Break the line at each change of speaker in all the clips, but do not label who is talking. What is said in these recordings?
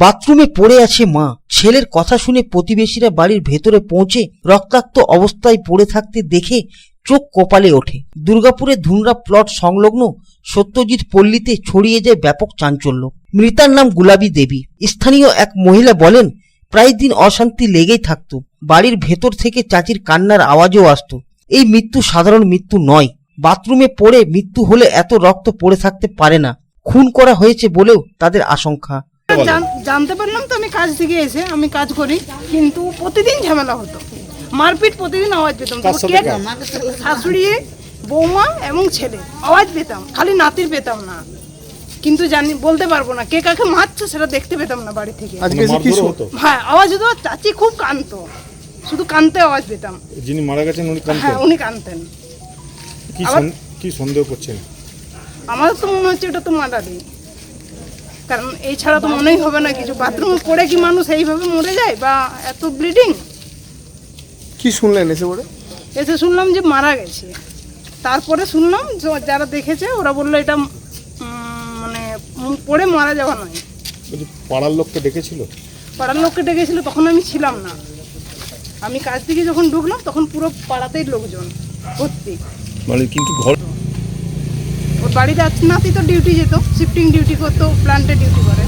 বাথরুমে পড়ে আছে মা। ছেলের কথা শুনে প্রতিবেশীরা বাড়ির ভেতরে পৌঁছে রক্তাক্ত অবস্থায় পড়ে থাকতে দেখে চোখ কপালে ওঠে। দুর্গাপুরের ধুনরা প্লট সংলগ্ন সত্যজিৎ পল্লীতে ছড়িয়ে যায় ব্যাপক চাঞ্চল্য। মৃতার নাম গুলাবী দেবী। স্থানীয় এক মহিলা বলেন, প্রায় দিন অশান্তি লেগেই থাকতো। বাড়ির ভেতর থেকে চাচির কান্নার আওয়াজও আসতো। এই মৃত্যু সাধারণ মৃত্যু নয়। বাথরুমে পড়ে মৃত্যু হলে এত রক্ত পড়ে থাকতে পারে না। খুন করা হয়েছে বলেও তাদের আশঙ্কা।
জানতে পারলাম তো আমি কাজ থেকে এসে, আমি কাজ করি, কিন্তু প্রতিদিন ঝামেলা হতো, মারপিট, প্রতিদিন আওয়াজ পেতাম। শাশুড়ি, বৌমা এবং ছেলে আওয়াজ পেতাম, খালি নাতির পেতাম না। কিন্তু বলতে পারবো না কে কাকে মারছে, সেটা দেখতে পেতাম না বাড়ি থেকে। হ্যাঁ, আওয়াজ হতো। চাচি খুব কাঁদতো, শুধু কাঁদতে আওয়াজ পেতাম।
যিনি মারা গেছেন উনি কাঁদতেন?
হ্যাঁ, উনি কাঁদতেন।
কি সন্দেহ করছেন?
আমার তো মনে হচ্ছে এটা তো মার্ডারই, কারণ এই ছাড়া তো মনেই হবে না কিছু। বাথরুমে পড়ে কি মানুষ এইভাবে মরে যায়, বা এত ব্লিডিং?
কি শুনলেন এসে
শুনলাম যে মারা গেছে। তারপরে শুনলাম যারা দেখেছে ওরা বললো এটা মানে পড়ে মারা যাওয়া নয়।
পাড়ার লোককে ডেকেছিল?
পাড়ার লোককে ডেকেছিল, তখন আমি ছিলাম না। আমি কাজ থেকে যখন ঢুকলাম তখন পুরো পাড়াতেই লোকজন ভর্তি।
মানে কিন্তু ঘর
ওর বাড়িতে নাতি তো ডিউটি যেত, শিফটিং ডিউটি করতো, প্ল্যান্টে ডিউটি করে।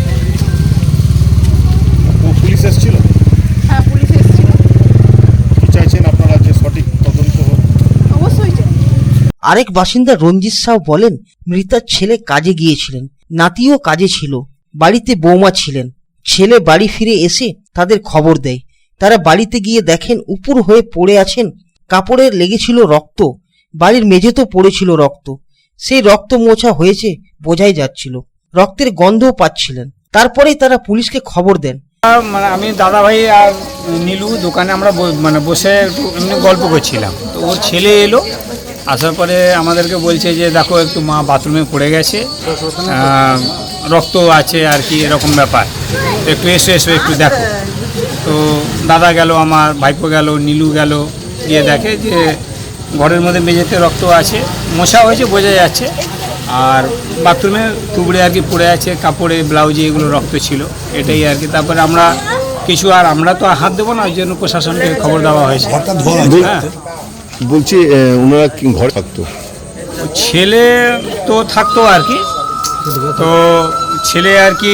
পুলিশ এসেছিল?
হ্যাঁ, পুলিশ এসেছিল।
কি চাইছেন আপনারা যে সঠিক তদন্ত হোক?
অবশ্যই চাই।
আরেক বাসিন্দা রঞ্জিত সাউ বলেন, মৃতার ছেলে কাজে গিয়েছিলেন, নাতিও কাজে ছিল, বাড়িতে বৌমা ছিলেন। ছেলে বাড়ি ফিরে এসে তাদের খবর দেয়। তারা বাড়িতে গিয়ে দেখেন উপুর হয়ে পড়ে আছেন, কাপড়ে লেগেছিল রক্ত, বাড়ির মেঝেতেও পড়েছিল রক্ত। সেই রক্ত মোছা হয়েছে বোঝাই যাচ্ছিল, রক্তের গন্ধও পাচ্ছিলেন। তারপরেই তারা পুলিশকে খবর দেন।
মানে আমি দাদা ভাই আর নীলু দোকানে আমরা বসে একটু এমনি গল্প করছিলাম, তো ওর ছেলে এলো। আসার পরে আমাদেরকে বলছে যে দেখো একটু মা বাথরুমে পড়ে গেছে, রক্ত আছে আর কি, এরকম ব্যাপার, তো একটু এসো একটু দেখো। তো দাদা গেল, আমার ভাইপো গেল, নীলু গেল, গিয়ে দেখে যে ঘরের মধ্যে মেঝেতে রক্ত আছে, মশা হয়েছে বোঝা যাচ্ছে, আর বাথরুমে টুকরে আর কি পড়ে আছে, কাপড়ে ব্লাউজে এগুলো রক্ত ছিল, এটাই আর কি। তারপরে আমরা আমরা তো হাত দেবো না, ওই জন্য প্রশাসনকে খবর দেওয়া হয়েছে। হ্যাঁ,
বলছি ওনারা কি ঘরে থাকতো?
ছেলে তো থাকতো আর কি, তো ছেলে আর কি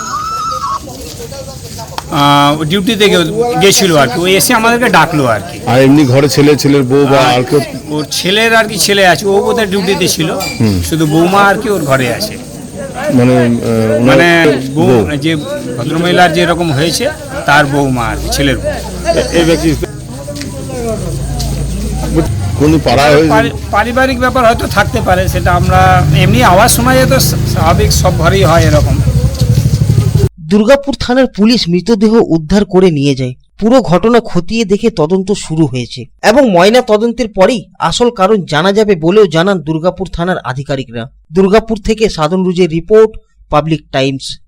ডিউটিতে গেছিল আর কি, ওই এসে আমাদেরকে ডাকলো আর কি।
আর এমনি ঘরে ছেলের বউ বা আর কেউ?
ওর ছেলের আর কি ছেলে আছে, ও বোধহয় ডিউটিতে ছিল, শুধু বৌমা আর কি ওর ঘরে আছে। মানে যে ভদ্রমহিলার যেরকম হয়েছে তার বৌমা আর ছেলের বউ।
এই ব্যক্তি
পারিবারিক ব্যাপার হয়তো থাকতে পারে, সেটা আমরা এমনি আওয়াজ শোনা যায়, তো স্বাভাবিক সব ঘরেই হয় এরকম।
দুর্গাপুর থানার পুলিশ মৃতদেহ উদ্ধার করে নিয়ে যায়। পুরো ঘটনা খতিয়ে দেখে তদন্ত শুরু হয়েছে এবং ময়না তদন্তের পরেই আসল কারণ জানা যাবে বলেও জানান দুর্গাপুর থানার আধিকারিকরা। দুর্গাপুর থেকে সাধন রুজের রিপোর্ট, পাবলিক টাইমস।